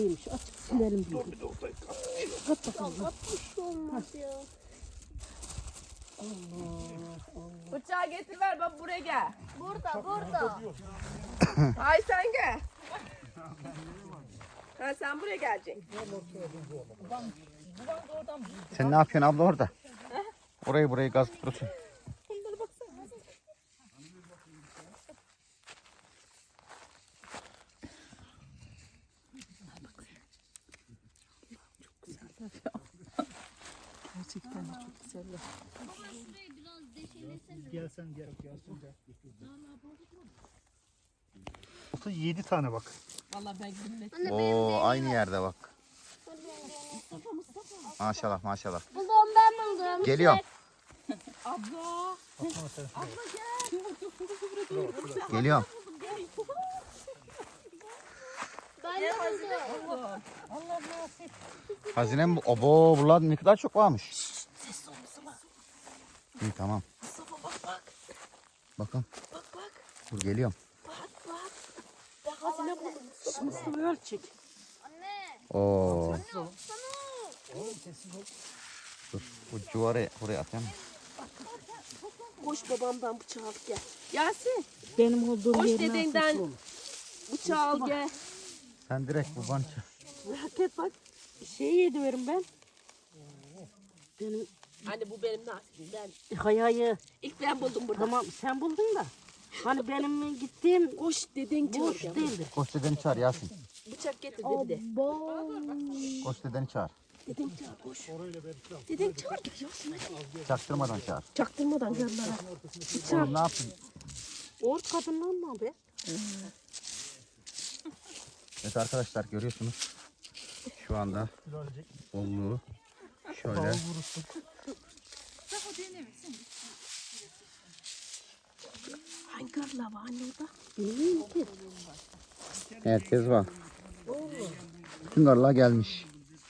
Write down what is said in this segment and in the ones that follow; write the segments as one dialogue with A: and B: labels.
A: Açık silerim diye.
B: Dur bir de ortaya kat.
A: Kat bakalım.
C: Kapmış olmaz ya.
D: Bıçağı getir ver baba buraya gel.
C: Burada.
D: Ay sen gel. Ha sen buraya geleceksin.
B: Sen ne yapıyorsun abla orada? Burayı gaz tutuyorsun.
A: Gerçekten de çok güzeller.
E: Gelsen gel. 7 tane bak.
D: Vallahi ben gülmedim.
C: Anne
B: Oo aynı yerde bak. Maşallah.
C: buldum ben buldum.
B: Geliyorum.
D: Abla.
B: Geliyorum.
C: Ben de buldum.
B: Hazinem bu. Obo buralar ne kadar çok varmış.
A: Ses olması var.
B: İyi tamam.
A: Mustafa bak.
B: Bakın.
A: Bak.
B: Dur geliyorum.
A: Bak. Ben hazine buldum. Mustafa ölçek.
C: Anne.
B: Oo.
C: Sana.
B: Dur. Bu civarı oraya atayım.
A: Koş babamdan bıçağı al gel.
D: Yasin
A: Benim olduğum
D: Koş
A: yerine
D: dedenden.
A: asılsın olur.
D: bıçağı al gel.
B: Sen direkt buradan
A: Merak et bak. Şey yediverim ben. Benim
D: Anne bu benim nasibimden.
A: hayayı.
D: İlk ben buldum burada.
A: Tamam sen buldun da. Hani benim gittiğim
D: Koş deden
A: boş
D: çağır.
A: değildir.
B: koş dedeni çağır Yasin.
D: Bıçak getir dedi de.
B: Koş dedeni çağır.
D: Deden çağır koş. Deden çağır gel Yasin.
B: Çaktırmadan çağır.
D: Çaktırmadan yanlara.
B: Oğlum ne yapayım?
A: Ort kadından mı be?
B: Evet arkadaşlar görüyorsunuz. Şu anda bolluğu şöyle.
A: Hangi karla var anne orada? Bilmiyorum ki.
B: Evet Kezban. Bütün karlar gelmiş.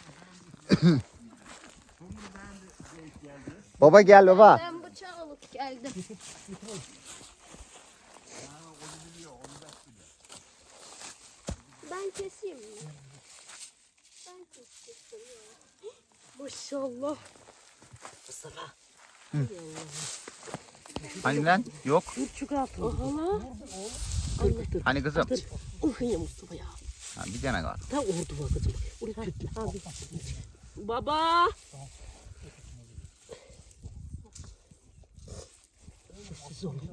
B: Baba gel baba.
C: Ben bıçağı alıp geldim. Ben keseyim mi? Ben keseyim ya.
A: Maşallah. Mustafa.
B: Hani lan? Yok.
A: Kurçuk altı. Ohala. Dur.
B: Hani kızım?
A: Uhya Mustafa ya.
B: Ha, bir tane var.
A: Ta ordu var kızım. Oraya tütle. Abi.
D: Baba.
A: Sessiz olun.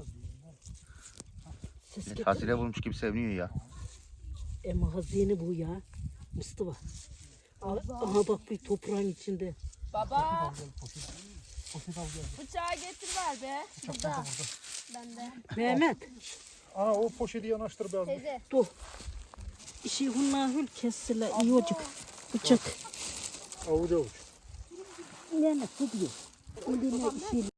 A: Ses getir.
B: Hazine bulmuş gibi seviniyor ya.
A: Ama hazine bu ya. Mustafa. Aha bak bir toprağın içinde.
D: Baba. Bıçağı getir ver be.
C: Burada. Bende.
A: Mehmet.
E: Aa o poşeti yanaştır be.
C: Teyze.
A: Dur. İşi hunna hül kessile iyi olacak. Bıçak.
E: Avuç avuç.
A: Mehmet bu diyor. Eline işi